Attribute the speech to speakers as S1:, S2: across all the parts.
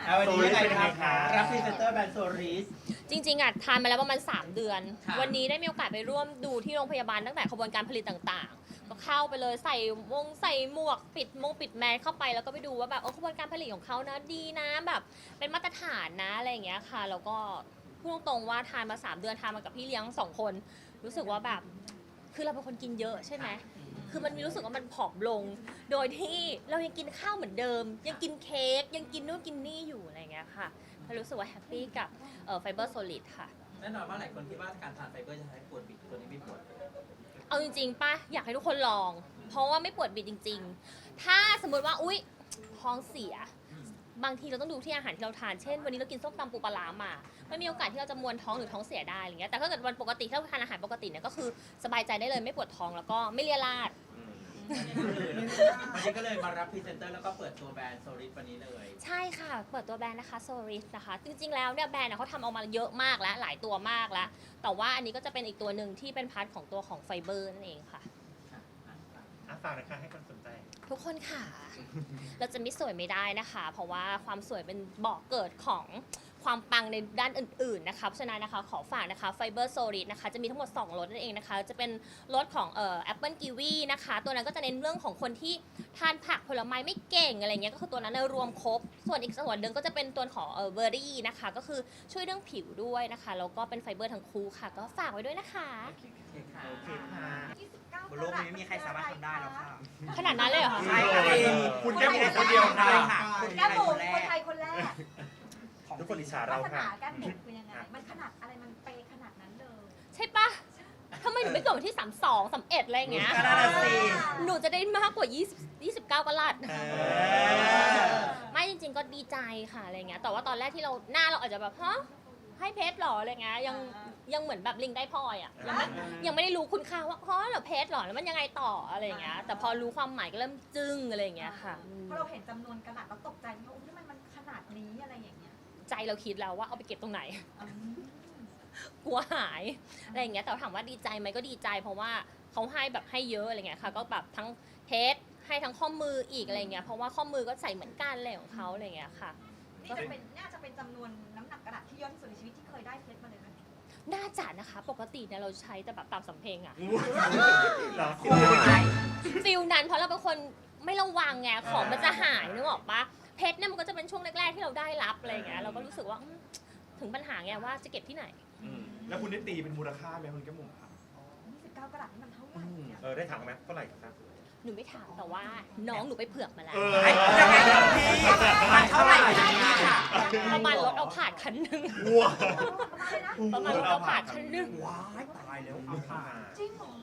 S1: วันนี้ยังไงครับรับพรีเซนเตอร์แบรนด์โซริส
S2: จริงๆทานมาแล้วประมาณ3 เดือน
S1: ค่ะ
S2: วันนี้ได้มีโอกาสไปร่วมดูที่โรงพยาบาลตั้งแต่ขบวนการผลิตต่างๆ ก็เข้าไปเลยใส่หมวกปิดแมสเข้าไปแล้วก็ไปดูว่าแบบขบวนการผลิตของเขานะดีนะแบบเป็นมาตรฐานนะอะไรอย่างเงี้ยค่ะแล้วก็พูดตรงๆว่าทานมา3 เดือนทานมากับพี่เลี้ยง2 คนรู้สึกว่าแบบคือเราเป็นคนกินเยอะใช่ไหมคือมันมีรู้สึกว่ามันผอมลง โดยที่เรายังกินข้าวเหมือนเดิม ยังกินเค้กยังกินนู่นกินนี่อยู่อะไรอย่างเงี้ยค่ะก็รู้สึกว่าแฮปปี้กับไฟเบอร์โซลิดค่ะ
S1: แน่นอนว่าหลายคนคิดว่าการทานไฟเบอร์จะทำให้ปวดบิดตัวนี้ไม่ปวด
S2: เอาจริงๆป่ะอยากให้ทุกคนลอง เพราะว่าไม่ปวดบิดจริงๆ ถ้าสมมติว่าอุ๊ยท้องเสีย บางทีเราต้องดูที่อาหารที่เราทาน เช่นวันนี้เรากินส้มตำปูปลาร้ามาไม่มีโอกาสที่เราจะมวนท้องหรือท้องเสียได้อะไรเงี้ยแต่ถ้าเกิดวันปกติถ้าเราทานอาหารปกติเนี่ยก็คือสบายใจได้เลยไม่ปวดท้องแล้วก็ไม่เลียราด
S1: วันนี้ก็เลยมารับพรีเซนเตอร์แล้วก็เปิดตัวแบรนด์โซริสวันนี้เลย
S2: ใช่ค่ะ เปิดตัวแบรนด์นะคะโซริสนะคะ จริงๆ แล้วเนี่ยแบรนด์เขาทำออกมาเยอะมากแล้วหลายตัวมากแล้ว แต่ว่าอันนี้ก็จะเป็นอีกตัวหนึ่งที่เป็นพาร์ทของตัวของไฟเบอร์นั่นเองค่ะ
S3: ฝากนะคะให้คนสนใจ
S2: ทุกคนค่ะ เราจะไม่สวยไม่ได้นะคะ เพราะว่าความสวยเป็นบอกเกิดของความปังในด้านอื่นๆนะคะเพราะฉะนั้นนะคะขอฝากนะคะไฟเบอร์โซลิดนะคะจะมีทั้งหมด2รสนั่นเองนะคะจะเป็นรสของแอปเปิลกีวีนะคะตัวนั้นก็จะเน้นเรื่องของคนที่ทานผักผลไม้ไม่เก่งอะไรเงี้ยก็คือตัวนั้นรวมครบส่วนอีกส่วนหนึ่งก็จะเป็นตัวของเบอร์รี่นะคะก็คือช่วยเรื่องผิวด้วยนะคะแล้วก็เป็นไฟเบอร์ทั้งคู่ค่ะก็ฝากไว้ด้วยนะคะ
S1: โอเคค่ะ
S3: โอเคค่ะ
S4: บนโลกนี้ไม่มีใครสามารถทำได้แล้วค่ะ
S2: ขนาดนั้นเลยเหรอคะ
S4: ใช่ค่ะ
S3: คุณแก้มบุ๋มคนเดียวค่ะ
S4: ใช่ค่ะคุณ
S5: แก้มบุ๋ม
S4: แร
S5: คน
S4: ก
S5: ไทยคนแรก
S3: ทุกคนอิจฉา
S5: ลั
S3: เรา
S5: กษ
S3: ค่ะ
S5: ณะแก้มบุ๋มเป็นยังไง มันขนาดอะไรมันเปย์ขนาดนั้นเลย
S2: ใช่ปะทำไมหนูไม่เกิดวันที่32 31อะไรอย่างเงี้ย
S4: ก็น่าจะสิ
S2: หนูจะได้มากกว่า20 29กะลัด
S3: เออ
S2: ไม่จริงๆก็ดีใจค่ะอะไรเงี้ยแต่ว่าตอนแรกที่เราหน้าเราอาจจะแบบฮะให้เพชรหรออะไรเงี้ยยังเหมือนแบบลิงได้พลอยอ่ะยังไม่ได้รู้คุณค่าว่าอ๋อเหรอเพชรหรอแล้วมันยังไงต่ออะไรเงี้ยแต่พอรู้ความหมายก็เริ่มจึ้งอะไรเงี้ยค่ะ
S5: พอเราเห็นจำนวนกระดาษเราตกใจไหมว่าอุ๊ยมันขนาดนี้อะไรอย่างเงี้ย
S2: ใจเราคิดแล้วว่าเอาไปเก็บตรงไหน
S5: อืม
S2: กลัวหายอะไรอย่างเงี้ยแต่ถามว่าดีใจไหมก็ดีใจเพราะว่าเขาให้แบบให้เยอะอะไรเงี้ยค่ะก็แบบทั้งเพชรให้ทั้งข้อมืออีกอะไรเงี้ยเพราะว่าข้อมือก็ใส่เหมือนกันอะไรของเขาอะไรเงี้ยค่ะ
S5: นี่น่าจะเป็นจำนวนน้ำหนักกระดาษที่เยอะที่สุดในชีวิตที่เคยได้เพชรมาเลยนะ
S2: น่าจะนะคะปกติเนี่ยเราใช้แต่แบบตามสำเพ็งอะ
S3: เหรอ
S2: ฟิลนั้นเพราะเราเป็นคนไม่ระวังไงของมันจะหายนึกออกปะเพชรเนี่ยมันก็จะเป็นช่วงแรกๆที่เราได้รับอะไรเงี้ยเราก็รู้สึกว่าถึงปัญหาไงว่าจะเก็บที่ไหน
S3: แล้วคุณได้ตีเป็นมูลค่าไหมคุณแก้มบุ๋มครับ
S5: 29กระดาษนี่มันเท่าไหร่เนี่ย
S3: ได้ถามไหมเท่าไหร่ครับ
S2: หนูไม่ถามแต่ว่าน้องหนูไปเผือกมาแล้ว
S4: ยังไงนะพี่มันเท่าไหร่นะพี่ค่ะ
S2: ประมาณรถเอาผ่านคันหนึง
S3: ว้า
S5: ประมาณเลยนะ
S2: ประมาณรถเอาผ่านคันหนึง
S4: ว้ายตายแล้วเอาผ่าน
S5: จริงเหรอ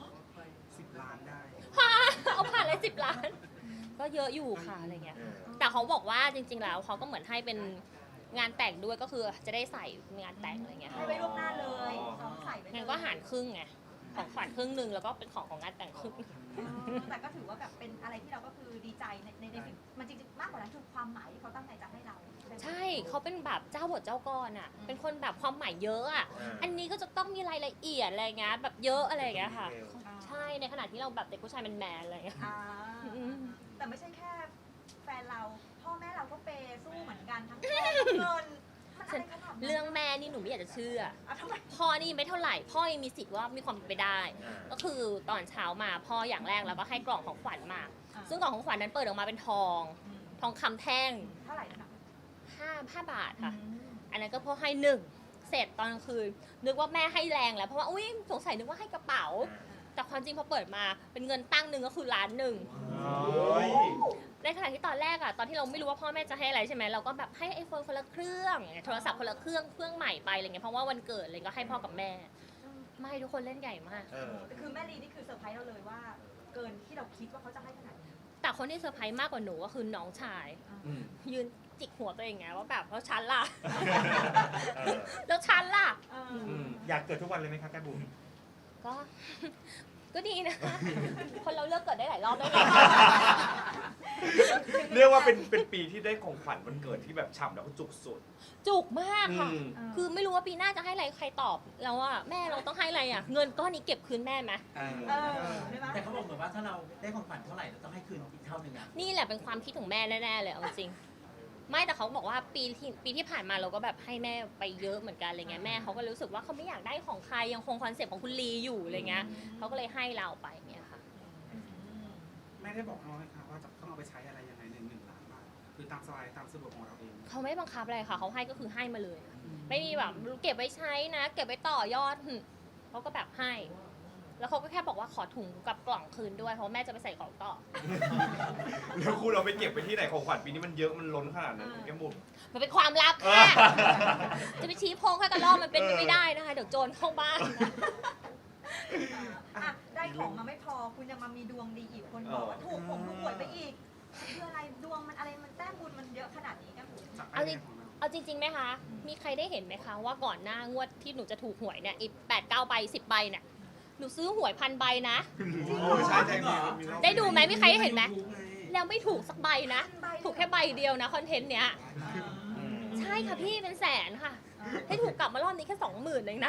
S4: 10 ล้านได้
S2: เอาผ่านเลย10 ล้าน ก็เยอะอยู่ค่ะอะไรเงี้ย แต่เขาบอกว่าจริงๆแล้วเขาก็เหมือนให้เป็นงานแต่งด้วยก็คือจะได้ใส่งานแต่งอะไรเงี้ย
S5: ให้ไว้ล่วงหน้าเลยซ้อมใส่ไปเลย
S2: งั้นก็หารครึ่งไงของขวัญครึ่งหนึ่งแล้วก็เป็นของงานแต่งครึ่ง
S5: แต่ก็ถือว่าแบบเป็นอะไรที่เราก็คือดีใจในสิ่งมันจริงๆมากกว่านั้นคือความหมายที่เขาตั้งใจจะให้เรา
S2: ใช่เขาเป็นแบบเจ้าบทเจ้ากรอ่ะเป็นคนแบบความหมายเยอะอ่ะอันนี้ก็จะต้องมีรายละเอียดอะไรเงี้ยแบบเยอะอะไรเงี้ยค่ะใช่ในขณะที่เราแบบเด็กผู้ชายแมนๆอะไรเงี้ย
S5: อ่าแต่ไม่ใช่แค่แฟนเราพ่อแม่เราก็เปย์สู้เหมือนกันทั้งแม่ทั้งเงินมันอะไรขนาดนั้น
S2: เรื่องแม่นี่หนูไม่อยากจะเชื่อ
S5: ทำไม
S2: พ่อนี่ไม่เท่าไหร่พ่อยังมีสิทธิ์ว่ามีความเป็นไปได้ ก็คือตอนเช้ามาพ่ออย่างแรกแล้วก็ให้กล่องของขวัญมา ซึ่งกล่องของขวัญนั้นเปิดออกมาเป็นทองคำแท่ง
S5: เท่าไหร่นะ
S2: 5 บาทค่ะ อันนั้นก็พ่อให้หนึ่งเสร็จตอนกลางคืนนึกว่าแม่ให้แรงแล้วเพราะว่าอุ้ยสงสัยนึกว่าให้กระเป๋า แต่ความจริงพอเปิดมาเป็นเงินตั้งหนึ่งก็คือ1 ล้าน ในขณะที่ตอนแรกอะตอนที่เราไม่รู้ว่าพ่อแม่จะให้อะไรใช่ไหมเราก็แบบให้ไอโฟนคนละเครื่องโทรศัพท์คนละเครื่องใหม่ไปอะไรเงี้ยเพราะว่าวันเกิดอะไรก็ให้พ่อกับแม่ ไม่ทุกคนเล่นใหญ่มาก
S5: คือแม่ลีนี่คือเซอร์ไพรส์เราเลยว่า เกินที่เราคิดว่าเขาจะให้ขนาดนี้
S2: แต่คนที่เซอร์ไพรส์มากกว่าหนูก็คือน้องชาย ยืนจิกหัวตัวเองไงว่าแบบแล้วฉันล่ะ แล้วฉันล่ะ
S3: อยากเกิดทุกวันเลยไหมครับแก้มบุ๋ม
S2: ก็ ก็ดีนะ คนเราเลือกเกิดได้หลายรอบได้ไง
S6: เรียกว่าเป็นปีที่ได้ของขวัญวันเกิดที่แบบฉ่ำแล้วก็จุกสุด
S2: จุกมากค่ะ
S6: อืม
S2: คือไม่รู้ว่าปีหน้าจะให้อะไรใครตอบแล้วว่าแม่เราต้องให้อะไรอ่ะ เงินก้อนนี้เก็บคืนแม่ไหม
S5: ใช่ไหม
S1: แต่เขาบอกเหมือนว่าถ้าเราได้ของขวัญเท่าไหร่เราต้องให้คืนอีกเท่านึงอ่ะ
S2: นี่แหละเป็นความคิดของแม่แน่ๆเลยเอาจริงไม่แต่เขาบอกว่าปีที่ผ่านมาเราก็แบบให้แม่ไปเยอะเหมือนกันอะไรเงี้ยแม่เขาก็รู้สึกว่าเขาไม่อยากได้ของใครยังคงคอนเซ็ปต์ของคุณลีอยู่อะไรเงี้ยเขาก็เลยให้เราไปเงี้ยค่ะ
S4: ไม่ได้บอกน้องเลยค่ะว่าจะต้องเอาไปใช้อะไรยังไงใน1 ล้านบาทคือตามสบายตามสะดวกของเราเอง
S2: เขาไม่บังคับอะไรค่ะเขาให้ก็คือให้มาเลย ไม่มีแบบเก็บไว้ใช้นะ เก็บไว้ต่อยอดเขาก็แบบให้ แล้วเขาก็แค่บอกว่าขอถุงกับกล่องคืนด้วยเพราะแม่จะไปใส่ของต่อ
S6: แล้วคุณเราไปเก็บไปที่ไหนของขวัญปีนี้มันเยอะมันล้นขนาดนั้นแก้มบุ๋ม
S2: มันเป็นความลับค่ะ จะไปชี้โพงให้กระรอกมันเป็นไปไม่ได้นะคะ เดี๋ยวโจรเข้าบ้าน
S5: อ่ะได้ของมาไม่พอคุณยังมามีดวงดีอีกคนบอกว่าถูกหวยไปอีกคืออะไรดวงมันอะไรมันแต้มบุญมันเยอะขนาดนี้กันบุ๋ม
S4: จาก
S2: เอา
S4: ไอ
S2: จ
S4: เดี
S2: ริ
S4: ย
S2: ง
S4: ของเรา
S2: เอาจริงๆไหมคะ มีใครได้เห็นไหมคะว่าก่อนหน้างวดที่หนูจะถูกหวยเนี่ยอีก8-9 ใบ 10 ใบเนี่ย หนูซื้อหวย1,000 ใบนะ
S6: ใช่ใช่
S2: ได้ดูไหมมีใครได้เห็นไหม
S4: YouTube ไง
S2: แล้วไม่ถูกสักใบนะ ถูกแค่ใบเดียวนะคอนเทนต์เนี้ย ใช่ค่ะพี่เป็นแสนค่ะ ให้ถูกกลับมารอบนี้แค่20,000เองนะ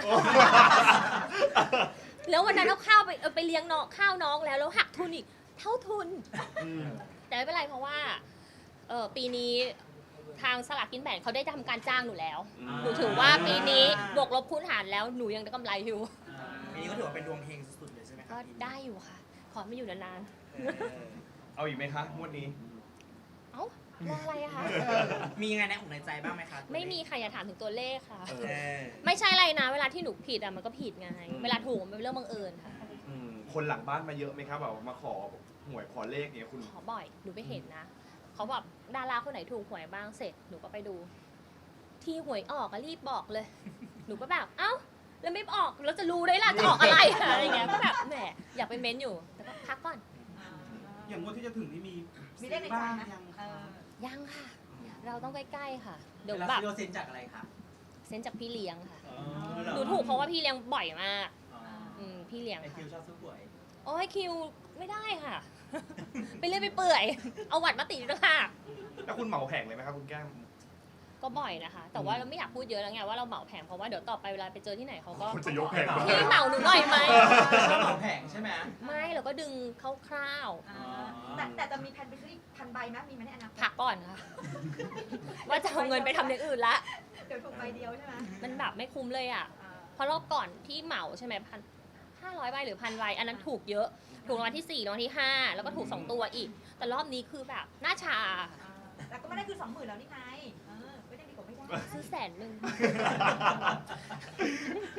S2: แล้ววันนั้นเอาข้าวไปเลี้ยงน้องข้าวน้องแล้วหักทุนอีกเท่าทุน แต่ไม่เป็นไรเพราะว่าปีนี้ทางสลากกินแบ่งเขาได้ทำการจ้างหนูแล้ว หนูถือว่าปีนี้บวกลบคูณหารแล้วหนูยังได้กำไรอยู่
S7: ปีนี้ก็ถือว่าเป็นดวงเฮงสุดๆเลยใช่ไหมค
S2: ก็
S7: รับ
S2: ได้อยู่ค่ะ ขอไม่อยู่นาน
S6: เอาอีกไหมคะงวดนี้
S2: ๆเอ้ารออะไรอะคะ
S7: มียังไงในอกในใจบ้างไหมคะ
S2: ไม่มีค่ะอย่าถามถึงตัวเลขค่ะ
S7: เออ
S2: ไม่ใช่อะไรนะ เวลาที่หนูผิดอะมันก็ผิดไง เวลาถูกมันเป็นเรื่องบังเอิญค่ะ
S6: คนหลังบ้านมาเยอะไหมครับแบบมาขอหวยขอเลขเนี่ยคุณ
S2: ขอบ่อย หนูไปเห็นนะ เขาแบบดาราคนไหนถูกหวยบ้างเสร็จ หนูก็ไปดู ที่หวยออกก็รีบบอกเลย หนูก็แบบ เอ้า แล้วไม่ออก แล้วจะรู้ได้ล่ะจะออกอะไร อะไรอย่างเงี้ย ก็แบบแหมอยากไปเม้นอยู่ แต่ก็พักก่อน
S4: อย่างงวดที่จะถึงนี่มี
S5: มีเลขในใจ
S4: บ้าง
S5: ไหม
S4: ยัง
S5: เออ
S2: ยังค่ะ เราต้องใกล้ๆค่ะ เดี๋ยว
S1: แล้ว
S2: แบบ
S1: ฟิโลเซนจากอะไรคะ
S2: เซ็นจากพี่เลี้ยงค่ะ
S1: อ๋อเรอ
S2: หนูถูกเพราะว่าพี่เลี้ยงบ่อยมาก
S1: อ๋อ
S2: พี่เลี้ยง
S1: ไอคิ
S2: ค่ะ
S1: วชอบซื้อหวย
S2: โอ้ยคิวไม่ได้ค่ะ ไปเรื่อยไปเปื่อย เอาหวัดมาติดด้วยค่ะ
S6: แล้วคุณเหมาแผงเลยไหมครับคุณแก้ม
S2: ก็บ่อยนะคะ แต่ว่าเราไม่อยากพูดเยอะแล้วไงว่าเราเหมาแผงเพราะว่าเดี๋ยวต่อไปเวลาไปเจอที่ไหนเขาก็
S6: คุณจะยกแผง
S2: พี่เหมาหนูหน่อยไหม
S1: ชอบเหมาแผงใช่ไหม
S2: ไม่เราก็ดึงคร่าว
S5: แต่จะมีแผนไปซื้ออีก1,000 ใบไหมมีไหมในอนาคต
S2: ๆพักก่อนค่ะ ว่าจะเอาเงินไปทำอย่างอื่นละ
S5: เดี๋ยวถูกใบเดียวใช่ไหม
S2: มันแบบไม่คุ้มเลยอ่ะ เพราะรอบก่อนที่เหมาใช่ไหม500 ใบหรือ 1,000 ใบอันนั้นถูกเยอะ ถูกรางวัลที่ 4รางวัลที่ 5 แล้วก็ถูก 2 ตัวอีก แต่รอบนี้คือแบบหน้าชา
S5: แต่ก็ไม่ได้คือ20,000แล้วนี่ไงไม่ได้ดีกว่าไม่ได้
S2: ซื้อ100,000